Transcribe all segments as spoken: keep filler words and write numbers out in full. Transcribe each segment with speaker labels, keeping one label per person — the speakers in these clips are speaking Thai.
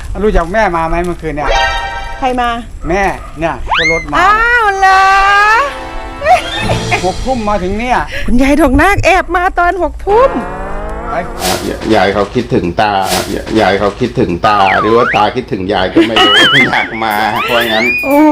Speaker 1: รู้จักแม่มาไหมเมื่อคืนเนี่ย
Speaker 2: ใครมา
Speaker 1: แม่เนี่ยก็รถมา
Speaker 2: อ้าวเหรอ
Speaker 1: หกทุ่มมาถึงเนี่ย
Speaker 2: คุณยายทองนาคแอบมาตอนหกทุ่ม
Speaker 3: ยายเขาคิดถึงตายายเขาคิดถึงตาหรือว่าตาคิดถึงยายก็ไม่รู้ อยากมาเพราะงั้น
Speaker 2: โอ้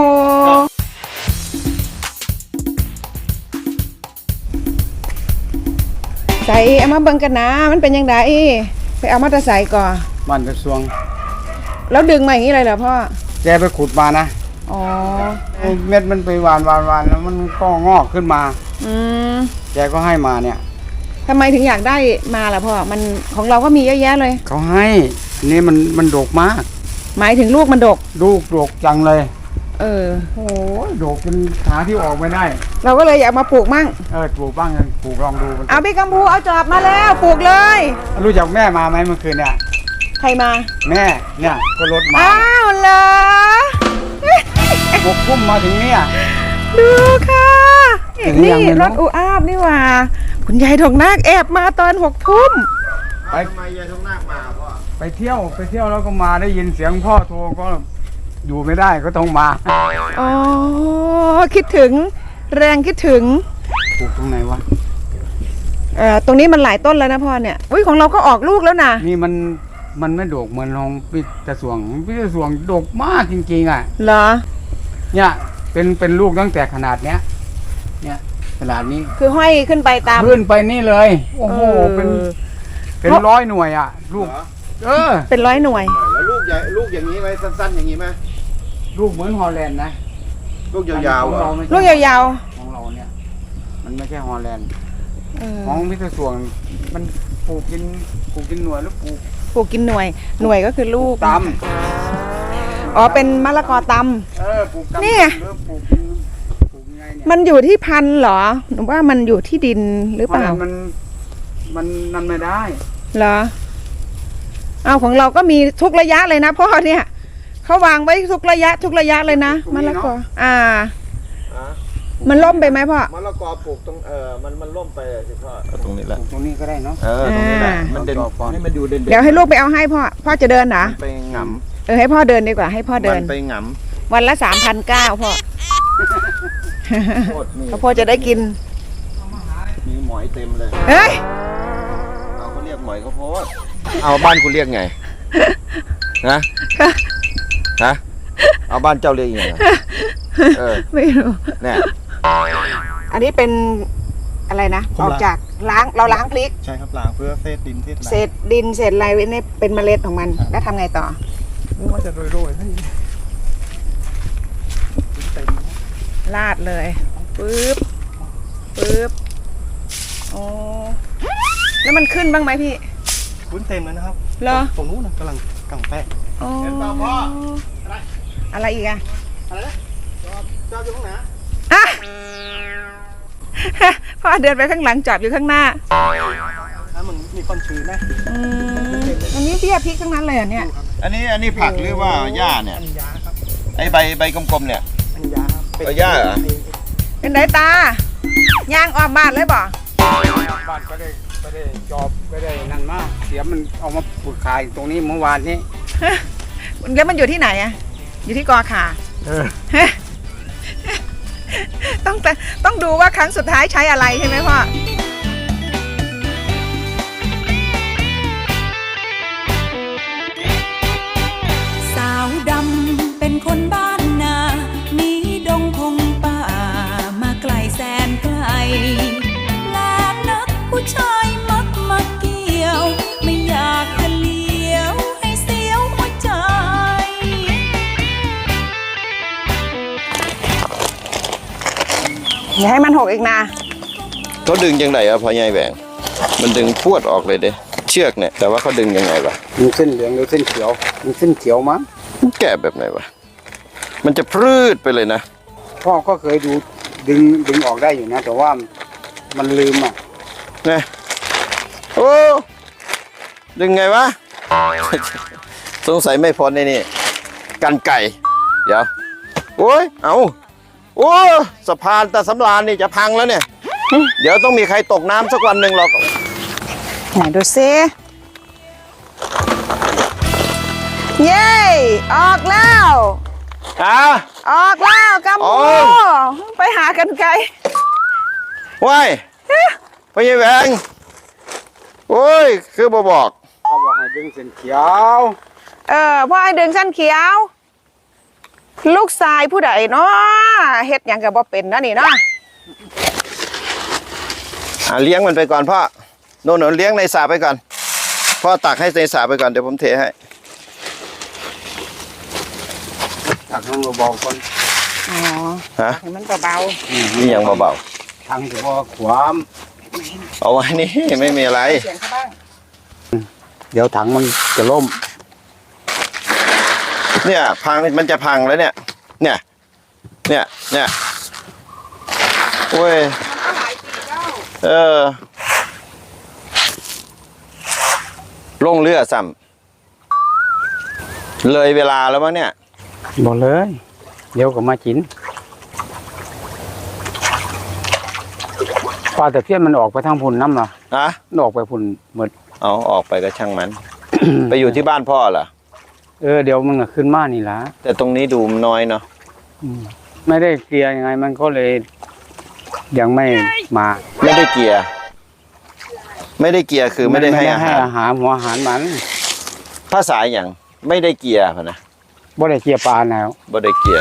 Speaker 2: ใส่เอามาเบิ่งกันนะมันเป็นยังไงไปเอามาตะใส่ก่อน
Speaker 1: บ้านกระทรวง
Speaker 2: แล้วดึงมาอย่างนี้เลยเหรอพ่อ
Speaker 1: แกไปขุดมานะ
Speaker 2: อ๋อ
Speaker 1: เม็ดมันไปหวานหวานหวานแล้วมันก็งอกขึ้นมา
Speaker 2: อืม
Speaker 1: แกก็ให้มาเนี่ย
Speaker 2: ทำไมถึงอยากได้มาล่ะพ่อมันของเราก็มีเยอะแยะเลย
Speaker 1: เขาให้นี่มันมันดกมาก
Speaker 2: หมายถึงลูกมันดก
Speaker 1: ลูกดกจังเลย
Speaker 2: เออ
Speaker 1: โอ้ยดกเป็นขาที่ออกไม่ได้
Speaker 2: เราก็เลยอยากมาปลูกมั่ง
Speaker 1: เออปลูกบ้างกันปลูกลองดู
Speaker 2: เอาพี่กัมพูเอาจอบมาแล้วปลูกเลย
Speaker 1: รู้จักแม่มาไหมเมื่อคืนเนี่ย
Speaker 2: ใครมา
Speaker 1: แม่เนี่ยก็รถมา
Speaker 2: อ้าวเหรอ
Speaker 1: หกทุ่มมาถึงเนี่ย
Speaker 2: ดูค่ะนี่รถอูอาบนี่ว่าคุณยายทองนาคแอบมาตอนหกทุ่ม
Speaker 3: ไปทำไมยายทองนาคมาพ่อ
Speaker 1: ไปเที่ยวไปเที่ยวแล้วก็มาได้ยินเสียงพ่อโทรก็อยู่ไม่ได้ก็ต้องมา
Speaker 2: อ๋อคิดถึงแรงคิดถึง
Speaker 1: ปลูกตรงไหนวะ
Speaker 2: เอ่อตรงนี้มันหลายต้นแล้วนะพ่อเนี่ยอุ้ยของเราก็ออกลูกแล้วนะ
Speaker 1: นี่มันมันไม่ดกเหมือนของพิจสวงพิจสวงดกมากจริงๆอ่ะ
Speaker 2: เหรอ
Speaker 1: เนี่ยเป็นเป็นลูกตั้งแต่ขนาดเนี้ยเนี่ยขนาดนี้
Speaker 2: คือห้อยขึ้นไปตาม
Speaker 1: ขึ้นไปนี่เลยโอ้โหเป็นเป็นร้อยหน่วยอ่ะลูกเออ
Speaker 2: เป็นร้อยหน่วย
Speaker 3: แล้วลูกใหญ่ลูกอย่างนี้ไหมสั้นๆอย่างนี้ไหม
Speaker 1: ลูกเหมือนฮอลแลนด์นะ
Speaker 3: ลูกยาว
Speaker 2: ๆลูกยาว
Speaker 1: ๆของเราเนี่ยมันไม่ใช่ฮอลแลนด์ของพิจสวงมันปลูกกินปลูกกินหน่วยแล้วปลูก
Speaker 2: ปลูกกินหน่วยหน่วยก็คือลูก
Speaker 1: ต
Speaker 2: ำอ๋อเป็นมะละกอต
Speaker 1: ำเออปลูกตำ
Speaker 2: นี่
Speaker 1: ปลูกปลูกไงเนี่ย
Speaker 2: มันอยู่ที่พันธุ์เหรอหรือว่ามันอยู่ที่ดินหรือเปล่า
Speaker 1: มันมันนั่นไม่ได้
Speaker 2: เหรอเอาของเราก็มีทุกระยะเลยนะพ่อเนี่ยเขาวางไว้ทุกระยะทุกระยะเลยนะมะละกออ่ามันล่มไปไหมพ่อ
Speaker 3: มะละกอปลูกตรงเออมันมันล่มไปสิพ่อตรงนี้แหละ
Speaker 1: ตรงนี้ก็ได้เนาะ
Speaker 3: เออตรงนี้แหละมันเด่นให้มันดูเด่น
Speaker 2: เดี๋ยวให้ลูกไปเอาให้พ่อพ่อจะเดินเหรอ
Speaker 3: ไปหง
Speaker 2: ำเออให้พ่อเดินดีกว่าให้พ่อเดิน
Speaker 3: ไปหง
Speaker 2: ำวันละสามพันเก้าพ่อพ่อจะได้กิน
Speaker 3: มีหมอยเต็มเลย
Speaker 2: เฮ้ย
Speaker 3: เอาเขาเรียกหมอยข้าวโพดเอาบ้านคุณเรียกไงนะฮะเอาบ้านเจ้าเรียกยังไงเออ
Speaker 2: ไม่รู้
Speaker 3: เนี่ย
Speaker 2: อันนี้เป็นอะไรนะออกจากล้างเราล้างพริก
Speaker 3: ใช่ครับล้างเพื่อเศษดินเศษ
Speaker 2: เศษดินเศษอะไรนี่เป็นเมล็ดของมันแล้วทำไงต่อ
Speaker 1: มันจะโรยๆให้
Speaker 2: ลาดเลยปึ๊บปึ๊บโอ้แล้วมันขึ้นบ้างไหมพี่
Speaker 3: ขึ้นเต็มเลยนะครับ
Speaker 2: เหรอ
Speaker 3: ตรงนู้นนะกำลังกำแป้ง
Speaker 2: เห็นป่ะพ่ออะไรอะไรอีกอะ
Speaker 3: อะไรนะจอบอยู่ข้างหน้า
Speaker 2: อ่ะพ่อเดินไปข้างหลังจอบอยู่ข้างหน้า
Speaker 3: ถ้ามันมีความชื้นนะ
Speaker 2: อันนี้เบี้ยพริกทั้งนั้นเลยเนี่ย
Speaker 3: อันนี้อันนี้ผักหรือว่าหญ้าเนี่ยไอใบใบกลมๆเนี่ย
Speaker 1: อันหญ้า
Speaker 3: ใบหญ้าเหรอ
Speaker 2: เป็นไรตาย่างออกบ้านเลยบ่
Speaker 1: บ้านก็ได้ก็ได้จอบก็ได้นั่นมากเสียมันเอามาปลูกขายตรงนี้เมื่อวานนี้
Speaker 2: แล้วมันอยู่ที่ไหนอะอยู่ที่กอขาต้องต้องดูว่าครั้งสุดท้ายใช้อะไรใช่ไหมพ่อ
Speaker 4: สาวดำเป็นคนบ้านนามีดงพงป่ามาไกลแสนไกลและนักผู้ชายมักมาเกี่ยวไม่อยากจะเลี้ยวให้เสียวหัวใจ
Speaker 2: อย่าให้มันหกอีกนะ
Speaker 3: เขาดึงยังไงอะพ่อใหญ่แหวงมันดึงพวดออกเลยเด้เชือกเนี่ยแต่ว่าเขาดึงยังไงวะ
Speaker 1: มีเส้นเหลืองหรือเส้นเขียวมีเส้นเขียวมั้ง
Speaker 3: แกะแบบไหนวะมันจะพรืดไปเลยนะ
Speaker 1: พ่อก็เคยดูดึงดึงออกได้อยู่นะแต่ว่ามันลืมอ่ะ
Speaker 3: เนี่ยโอ้ดึงไงวะสงสัยไม่พ้นในนี่กันไก่เดี๋ยวโอ้ยเอาโอ้สะพานตะสำราญนี่จะพังแล้วเนี่ยเดี๋ยวต้องมีใครตกน้ำสักวันหนึ่งหรอก
Speaker 2: ไหนดูซิเย้ออกแล้ว
Speaker 3: อ่ะ
Speaker 2: ออกแล้วกัม
Speaker 3: โอ้
Speaker 2: พูไปหากันไกล
Speaker 3: ว้ายพ่อใหญ่แหวงโอ้ยคือบ่บอก
Speaker 1: เขาบอกให้ดึงเส้นเขียว
Speaker 2: เออพ่อให้ดึงสั้นเขียว ลูกชายผู้ใดเนาะเฮ็ดหยังกับบ่เป็นนะนี่เนาะ
Speaker 3: อ่ะเลี้ยงมันไปก่อนพ่อโน่นๆเลี้ยงในสระไปก่อนพ่อตักให้ในสระไปก่อนเดี๋ยวผมเทให้
Speaker 1: ตักลงเบาๆก่อน
Speaker 2: อ๋อ
Speaker 3: ฮะ
Speaker 2: ให้มันเบา
Speaker 3: นี่ยังเบา
Speaker 1: ทางจะว่าขวาม
Speaker 3: ๆเอาไว้นี่ไม่มีอะไร
Speaker 2: ๆเสียงเขาบ้าง
Speaker 1: เดี๋ยวถังมันจะล่ม
Speaker 3: เนี่ยพังมันจะพังแล้วเนี่ย เนี่ย เนี่ย เนี่ยโอ้ย เออ ลงเรือซ้ำเลยเวลาแล้วมั้งเนี่ย
Speaker 1: บอกเลย เดี๋ยวก็มาจินปลาแต่เพี้ยนมันออกไปทางพุ่นน้ำเหรอ
Speaker 3: อะ
Speaker 1: มันออกไปพุ่นหมด
Speaker 3: เอาออกไปก็ช่างมัน ไปอยู่ที่บ้านพ่อเหรอ
Speaker 1: เออเดี๋ยวมันก็ขึ้นมานี่ละ
Speaker 3: แต่ตรงนี้ดูมันน้อยเนาะ
Speaker 1: อืมไม่ได้เกลียร์ยังไงมันก็เลยยังไม่มา
Speaker 3: ไม่ได้เกียร์ไม่ได้เกียร์คือไม่ได้ให้อาหาร
Speaker 1: อาหารหัวอาหารมัน
Speaker 3: ภาษาอย่างไม่ได้เกียร์พะนะ
Speaker 1: บ่ได้เกลียร์ปลาแล้ว
Speaker 3: บ่ได้เกียร์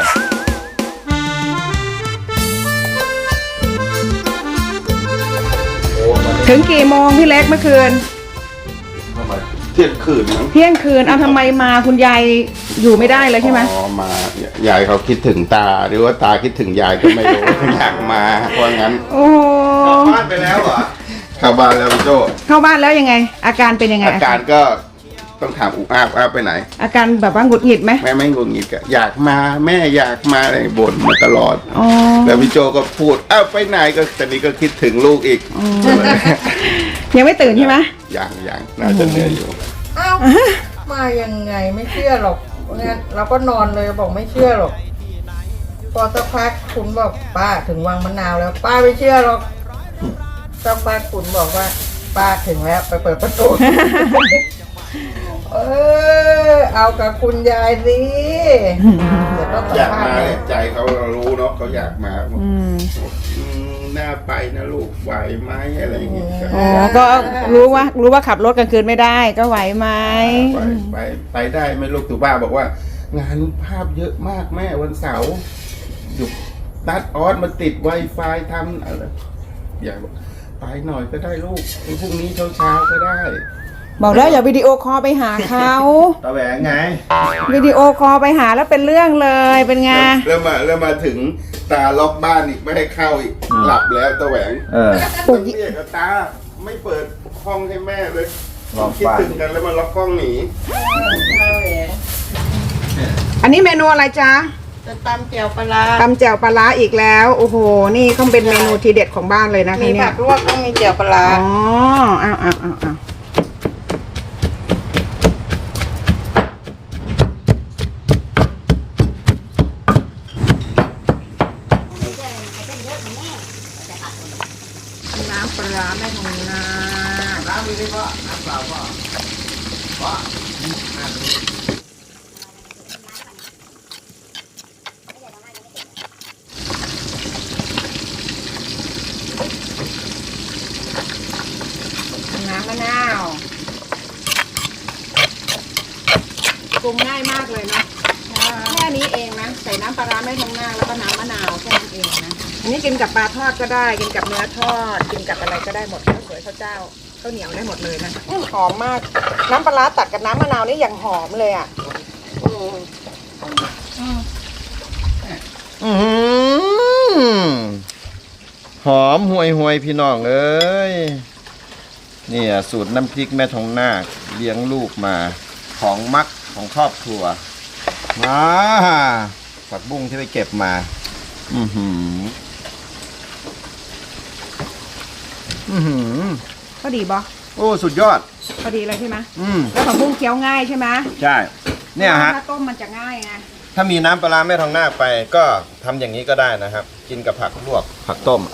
Speaker 2: ถึงกี่โมงพี่เล็กเมื่อคืน
Speaker 5: เที่ยงคืนมั้ง
Speaker 2: เที่ยงคืนเอาทำไมมาคุณยายอยู่ไม่ได้เลยใช่ไหม
Speaker 5: อ๋อมายายเขาคิดถึงตาหรือว่าตาคิดถึงยายก็ไม่รู้ อยากมาเพราะงั้น
Speaker 2: โอ้โห
Speaker 3: บ้านไปแล้วเหรอ
Speaker 5: เข้าบ้านแล้วพี่โจ
Speaker 2: เข้าบ้านแล้วยังไง อาการเป็นยังไง
Speaker 5: อาการก็ต้องถามอุอาบอาบไปไหน
Speaker 2: อาการแบบว่าหงุดหงิดไหม
Speaker 5: แม่ไม่งงงิดก็อยากมาแม่อยากมาอะไรบ่นมาตลอด
Speaker 2: อ๋อ
Speaker 5: แล้วพี่โจก็พูดอ้าวไปไหนก็ตอนนี้ก็คิดถึงลูกอีก
Speaker 2: ยังไม่ตื่นใช่ไหม
Speaker 5: อย่างอย่างน่าจะเหนื่อยอยู่
Speaker 6: อ้าวมายังไงไม่เชื่อหรอกงั้นเราก็นอนเลยบอกไม่เชื่อหรอก พอสักพักคุณบอกป้าถึงวังมะนาวแล้ว ป้าไม่เชื่อหรอกสักพักคุณบอกว่า ป้าถึงแล้วไปเปิดประตู เออเอากับคุณยายสิเดี๋ยวต้องสั
Speaker 5: อ
Speaker 6: ม
Speaker 5: ยาก
Speaker 6: ภาษ
Speaker 5: มา
Speaker 6: ณ์เล
Speaker 5: เนี่ย ยใจเขาเรารู้เนาะเขาอยากมา
Speaker 2: อืม
Speaker 5: อืมน่าไปนะลูกไหวไหมอะไรอย่างเงี้ย
Speaker 2: อ๋อ ก็รู้ว่ารู้ว่าขับรถกลางคืนไม่ได้ก็ไหวไหม
Speaker 5: ไปไปไปได้ไหมลูกตู่บ้าบอกว่า งานภาพเยอะมากแม่วันเสาร์อยู่ตัดออสมาติด Wi-Fi ทำอะไรอยากบอกไปหน่อยก็ได้ลูกพรุ่งนี้เช้าเช้าๆก็ได้
Speaker 2: บอกแล้วอย่าวิดีโอคอลไปหาเขา
Speaker 5: ตาแหวงไง
Speaker 2: วิดีโอคอลไปหาแล้วเป็นเรื่องเลยเป็นไง
Speaker 5: แล้วมาแล้วมาถึงตาล็อกบ้านอีกไม่ให้เข้าอีกหลับแล้วตาแหวง
Speaker 3: เออ
Speaker 5: ต้องเรียกตาไม่เปิดห้องให้แม่เลย
Speaker 3: ล็อก
Speaker 5: คิด
Speaker 3: บ้าน
Speaker 5: ถึงกันแล้วมาล็อกห้องหนี
Speaker 2: อันนี้เมนูอะไรจ๊ะ
Speaker 6: จะตำเจียวปลาร้า
Speaker 2: ตำแจ่วปลาร้าอีกแล้ว โอ้โห นี่ต้องเป็นเมนูทีเด็ดของบ้านเลยนะคะ
Speaker 6: มี
Speaker 2: เนี่
Speaker 6: ผั
Speaker 2: ย
Speaker 6: กลวกต้องมีเจียวปลาร้า
Speaker 2: อ๋ออ้าวอ้าวอ้าวอ้าวน้ำปลาร้าแม่ทองนาน้ำมีไหมพ่อน้ำเปล่าพ่อพ่อน้ำมะนาวปรุงง่ายมากเลยเนาะแค่นี้เองนะใส่น้ำปลาร้าแม่ทองนาแล้วก็น้ำมะนาวแค่นั้นเองนะอันนี้กินกับปลาทอดก็ได้กินกับเนื้อทอดกินกับอะไรก็ได้หมดข้าวสวยข้าวเจ้าข้าวเหนียวได้หมดเลยนะอื้อหอมมาก น้ำปลาร้าตัดกับน้ำมะนาวนี่อย่างหอมเลยอ่ะ
Speaker 3: อืมหอมห่วยห่วยๆพี่น้องเอ้ยเนี่ยสูตรน้ำพริกแม่ทองนาคเลี้ยงลูกมาของมักของครอบครัวมาผักบุ้งที่ไปเก็บมา อือหืออือหือ
Speaker 2: ก็ดีบอ
Speaker 3: โอ้สุดยอด
Speaker 2: พอดีเลยใช่ไหม
Speaker 3: อืม
Speaker 2: แล้วผักบุ้งเคี้ยวง่ายใช่ไหม
Speaker 3: ใช่เนี่ยฮะ
Speaker 2: ถ้าต้มมันจะง่ายไง
Speaker 3: ถ้ามีน้ำปลาร้าแม่ทองนาคไปก็ทำอย่างนี้ก็ได้นะครับ กินกับผักลวกผักต้ม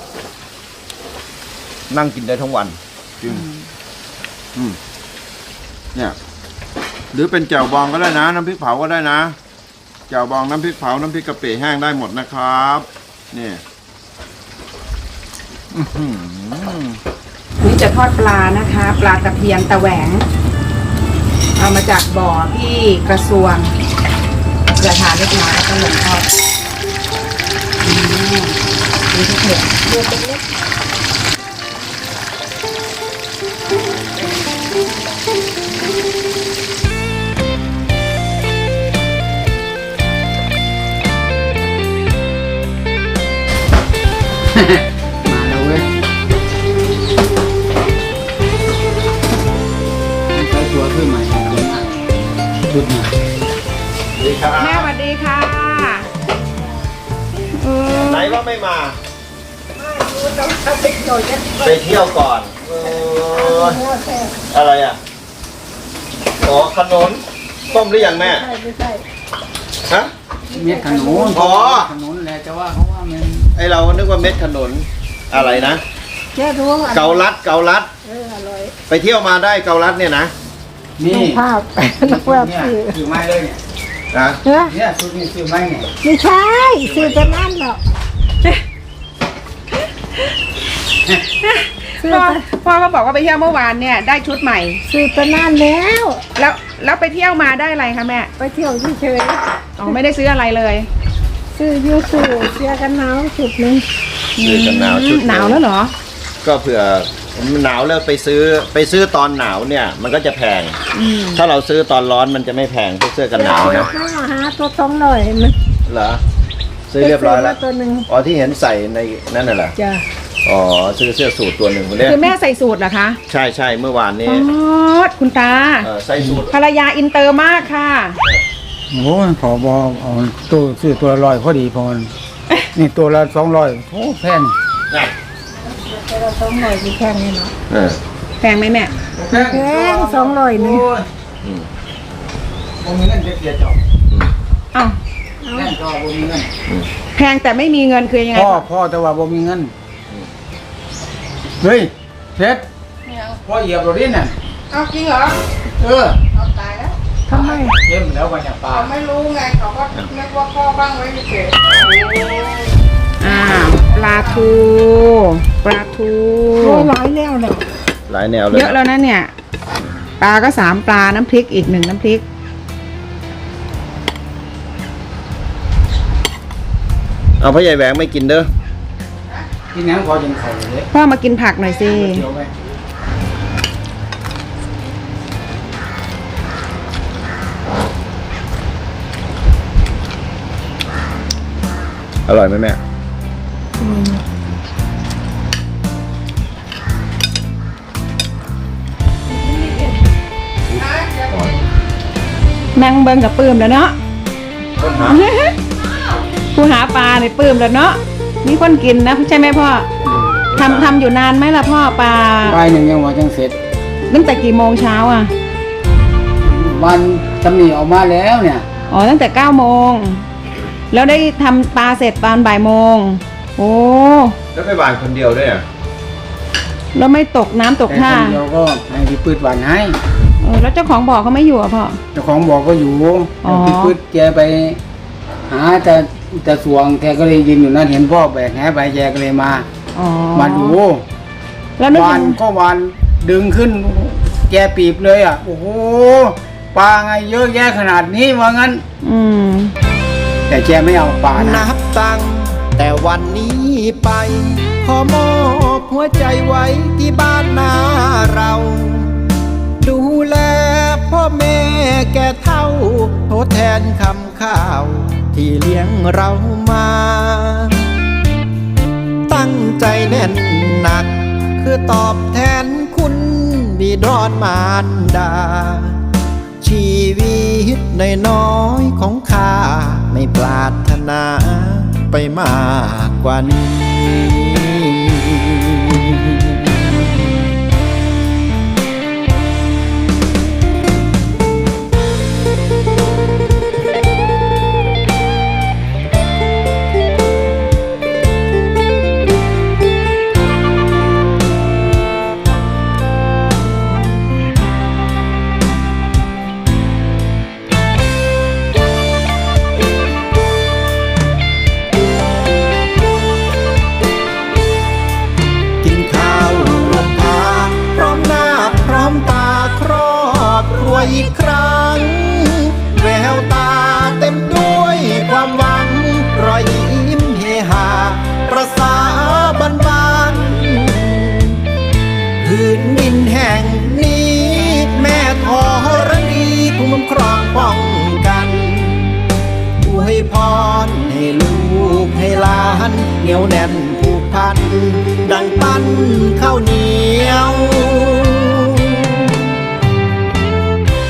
Speaker 3: นั่งกินได้ทั้งวันจริงอืมเนี่ยหรือเป็นแจ่วบองก็ได้นะน้ำพริกเผาก็ได้นะแจ่วบองน้ำพริกเผาน้ำพริกกะปิแห้งได้หมดนะครับนี่อื้อหือ
Speaker 2: นี่จะทอดปลานะคะ ปลาตะเพียนตะแหวง เอามาจากบ่อที่กระทรวงกระทานเล็กน้อยแล้วก็ลงทอดอืมนี่ก็เผ็ดเลือดเล็ก
Speaker 1: มาแล้วเว้ยใช้ตัวขึ้นใหม่แล้วนะชุดใหม่
Speaker 2: แม่สวัสดีค่ะเออ
Speaker 3: ไหนว่าไม่มาไปเที่ยวก่อนเอออะไรอ่ะอ๋อขนมต้มหรือยังแม่ฮะ
Speaker 1: เม็ดขนุน
Speaker 3: อ๋อ
Speaker 1: ขนุนแหละจะว่าเขาว่ามัน
Speaker 3: ไอเรานึกว่าเม็ดขนุนอะไรนะเกาลัดเกาลัดไปเที่ยวมาได้เกาลัดเนี่ยนะ
Speaker 1: นี่
Speaker 6: ภาพนักแวบ
Speaker 1: เนี่ย
Speaker 6: สื่อ
Speaker 1: ซื้อไม้เลยเนี่ย
Speaker 3: นะ
Speaker 6: เฮ้ย
Speaker 1: เนี่ยชุดนี้ซื้อไม้ไง
Speaker 6: ไม่ใช่สื่อจะนั่นหรอก
Speaker 2: พ่อพ่อก็บอกว่าไปเที่ยวเมื่อวานเนี่ยได้ชุดใหม่
Speaker 6: สื่อจะนั่นแล้ว
Speaker 2: แล้วแล้วไปเที่ยวมาได้อะไรคะแม่
Speaker 6: ไปเที่ยวเฉย
Speaker 2: อ๋อไม่ได้ซื้ออะไรเลย
Speaker 6: ๆสื่อยูสื่อเสียกันหนาวสุดนึง
Speaker 3: ซื้อกันหนาวชุด
Speaker 2: หนาวแล้วเหรอ
Speaker 3: ก็เผื่อหนาวแล้วไปซื้อไปซื้อตอนหนาวเนี่ย มันก็จะแพง
Speaker 2: อืม
Speaker 3: ถ้าเราซื้อตอนร้อนมันจะไม่แพงพวกเสื้อกันหนาวนะ
Speaker 6: หาหาตัวตรงหน่อยมัน
Speaker 3: เหรอซื้อเรียบร้อยแล้ว
Speaker 6: ตัวหนึ่ง
Speaker 3: อ๋อที่เห็นใส่ในนั่นน่ะเหรอ
Speaker 6: จ้ะ
Speaker 3: อ๋อซื้อเสื้อสูทตัวหนึ่งคนเนี้ย
Speaker 2: คือแม่ใส่สูตรเหรอคะ
Speaker 3: ใช่ใช่เมื่อวานนี้
Speaker 2: อ๋อคุณตา
Speaker 3: เออใส่สูท
Speaker 2: ภรรยาอินเตอร์มากค่ะ
Speaker 1: โอ้ยขอบอเอาตัวซื้อตัวละร้อยพอดีพอมันนี่ตัวละสองร้อยโอ้แพง
Speaker 3: น่ะ
Speaker 6: ตัวสองร้อยที่แค่นี้เนาะ
Speaker 3: เออ
Speaker 2: แพงไหมแม่
Speaker 1: แพง
Speaker 6: แพงสองร้อยหนึ่ง
Speaker 1: โอ้ย
Speaker 3: อืม
Speaker 1: บ่มีเงินจะเกลียดจอบ
Speaker 3: อืม
Speaker 2: อ้าว
Speaker 1: แน่นก็บ่มีเงิน
Speaker 2: แพงแต่ไม่มีเงินคือยังไง
Speaker 1: พ่อพ่อแต่ว่าบ่มีเงินเฮ้ยเพชรพ่อเหยียบรถดินน่ะ
Speaker 2: เอาจริงเหรอ
Speaker 1: เออ
Speaker 2: เอาตายแล้ว
Speaker 6: ทำไม
Speaker 1: เข้มแล้ววันนี้ปลา
Speaker 2: เขาไม่รู้ไงเขาก็นึกว่าพ่อบ้างไว้เฉยอ่าปลาทูปลาทู
Speaker 6: โอ้ร้อยแล้วเนี่ย
Speaker 3: หลายแนวเลย
Speaker 2: เยอะแล้วนะเนี่ย ปลาก็สามปลาน้ำพริกอีกหนึ่งน้ำพริก
Speaker 3: เอาพ่อใหญ่แหวงไม่กินเด้อ
Speaker 1: กินน้ำพอจนไข่เลย
Speaker 2: พ่อมากินผักหน่อยสิ
Speaker 1: เดี๋ยวไป
Speaker 3: อร่อยไหมแม่
Speaker 2: นั่งเบิ้งกับปื้มแล้วเนาะ
Speaker 3: คนหา
Speaker 2: ผู้หาปลาเนี่ยปื้มแล้วเนาะมีคนกินนะใช่ไหมพ่อทำทำอยู่นานไหมล่ะพ่อปลา
Speaker 1: ปลายหนึ่งยังว่าจังเสร็จ
Speaker 2: ตั้งแต่กี่โมงเช้าอ่ะ
Speaker 1: วันตำหนิออกมาแล้วเนี่ย
Speaker 2: อ๋อตั้งแต่เก้าโมงแล้วได้ทำปลาเสร็จตอนบ่ายโมงโอ้
Speaker 3: แล้วไปหวานคนเดียวด้วยอ่ะ
Speaker 2: แล้วไม่ตกน้ำตก
Speaker 1: แต่
Speaker 2: ท่า
Speaker 1: คนเดียวก็ให้พี่ปืดหวานให้
Speaker 2: เออแล้วเจ้าของบ่อเขาไม่อยู่อ่ะพ่อ
Speaker 1: เจ้าของบอกก็อยู่
Speaker 2: อ๋อ
Speaker 1: พี่ปืดแกไป หาแต่แต่สวงแกก็เลยยืนอยู่นั่นเห็นพ่อแบกแหไปแกก็เลยมา
Speaker 2: อ๋อ
Speaker 1: มาดู
Speaker 2: แล้วนึก
Speaker 1: วา
Speaker 2: ยั
Speaker 1: น
Speaker 2: ง
Speaker 1: ก็วานดึงขึ้น แกปีบเลยอ่ะ โอ้โหปลาไงเยอะแยะขนาดนี้ว่างั้น
Speaker 2: อืม
Speaker 1: แต่แกไม่เอาปลานะ
Speaker 7: นับตั้งแต่วันนี้ไป ขอมอบหัวใจไว้ที่บ้านนาเรา ดูแลพ่อแม่แก่เท่าทดแทนคำข้าว ที่เลี้ยงเรามา ตั้งใจแน่นหนัก คือตอบแทนคุณบิดรมารดา ชีวิตน้อยๆของข้าไม่ปรารถนาไปมากกว่านี้พรให้ลูกให้หลานเหนียวแน่นผูกพันดังปั้นข้าวเหนียว